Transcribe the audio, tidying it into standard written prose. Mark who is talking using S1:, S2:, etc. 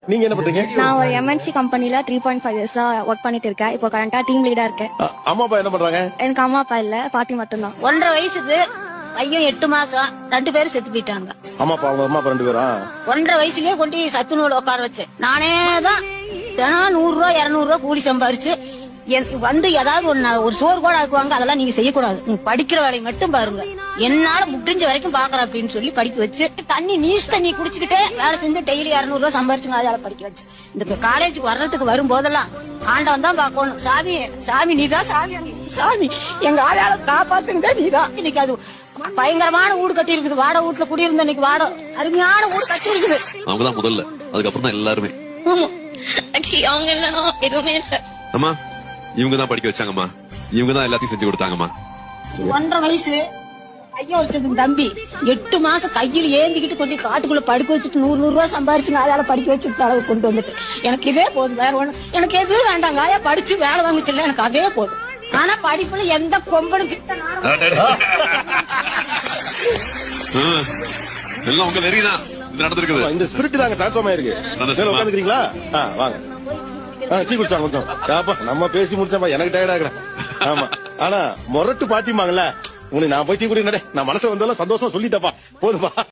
S1: நீங்க என்ன பண்றீங்க?
S2: நான் ஒரு எம்என்சி கம்பெனில 3.5 இயர்ஸா ஒர்க் பண்ணிட்டு இருக்கேன். இப்போ கரண்டா டீம் லீடா இருக்கேன்.
S1: அம்மா அப்பா என்ன பண்றாங்க?
S2: எனக்கு அம்மா அப்பா இல்ல, பாட்டி மட்டும்தான்.
S3: 1.5 வயசுக்கு பையன் 8 மாசம் 2 பேரும் செத்து போயிட்டாங்க.
S1: அம்மா அப்பா அவங்க அம்மா அப்பா 2 பேரா?
S3: 1.5 வயசுலயே கொண்டு சத்து நூல் உட்கார வச்சேன். நானே தான் தினம் 100 ரூபா 200 ரூபா கூலி சம்பாரிச்சு வந்து ஏதாவது ஒரு சோறு கூட ஆக்குவாங்க. அதெல்லாம் நீங்க செய்யக்கூடாது, நீங்க படிக்கிற வேலையை மட்டும் பாருங்க. என்னால முடிஞ்ச வரைக்கும் பாக்குறேன் அப்படின்னு சொல்லி படிக்க வச்சு தண்ணி நீஸ் தண்ணி குடிச்சுக்கிட்டே வேலை செஞ்சு டெய்லி 200 ரூபா சம்பாரிச்சுங்க. அதால படிக்க வச்சு இந்த காலேஜுக்கு வர்றதுக்கு வரும்போதெல்லாம் ஆண்டவன் தான் பாக்கணும். சாமி சாமி நீதான் சாமி, சாமி எங்க ஆளால காப்பாத்துங்க நீதான். இன்னைக்கு அது பயங்கரமான வீடு கட்டி இருக்குது. வாடகை வீட்டுல குடியிருந்த இன்னைக்கு அருமையான வீடு கட்டி இருக்குது.
S4: அவங்கதான் முதல்ல, அதுக்கப்புறம் தான் எல்லாருமே.
S2: அவங்க இல்லைன்னா எதுவுமே இல்ல.
S4: அம்மா இவங்க தான் படிக்க வச்சாங்கம்மா, இவங்க தான் எல்லாத்தையும் செஞ்சு கொடுத்தாங்கம்மா.
S3: 1.5 வயசு ஐயா ஒருத்தது தம்பி 8 மாசம் கையில் ஏந்திக்கிட்டு கொஞ்சம் காட்டுக்குள்ள படுக்க வச்சுட்டு 100 ரூபாய் சம்பாரிச்சுங்க. அதால படிக்க வச்சுட்டு அளவு கொண்டு வந்துட்டு எனக்கு இதே போதும், வேற ஒண்ணு எனக்கு எதுவும் வேண்டாங்க. ஆயா படிச்சு வேலை வாங்கிச்சுல எனக்கு அதே போதும். ஆனா படிப்புல எந்த கொம்பனும் கிட்ட
S4: எல்லாம் உங்க வெறிதான் இது நடந்திருக்குது.
S1: இந்த ஸ்பிரிட் தாங்க டிரான்ஸ்ஃபார்ம் ஆயிருக்கு. உட்காந்துக்கிறீங்களா? வாங்க. டீ குடிச்சாங்க கொஞ்சம். நம்ம பேசி முடிச்சா எனக்கு டயர்ட் ஆகுறேன். ஆமா, ஆனா மொரட்டு பாத்திமாங்கல்ல, உனக்கு நான் போய் டீ குடி, நான் மனசுல வந்தாலும் சந்தோஷம் சொல்லிட்டப்பா, போதுப்பா.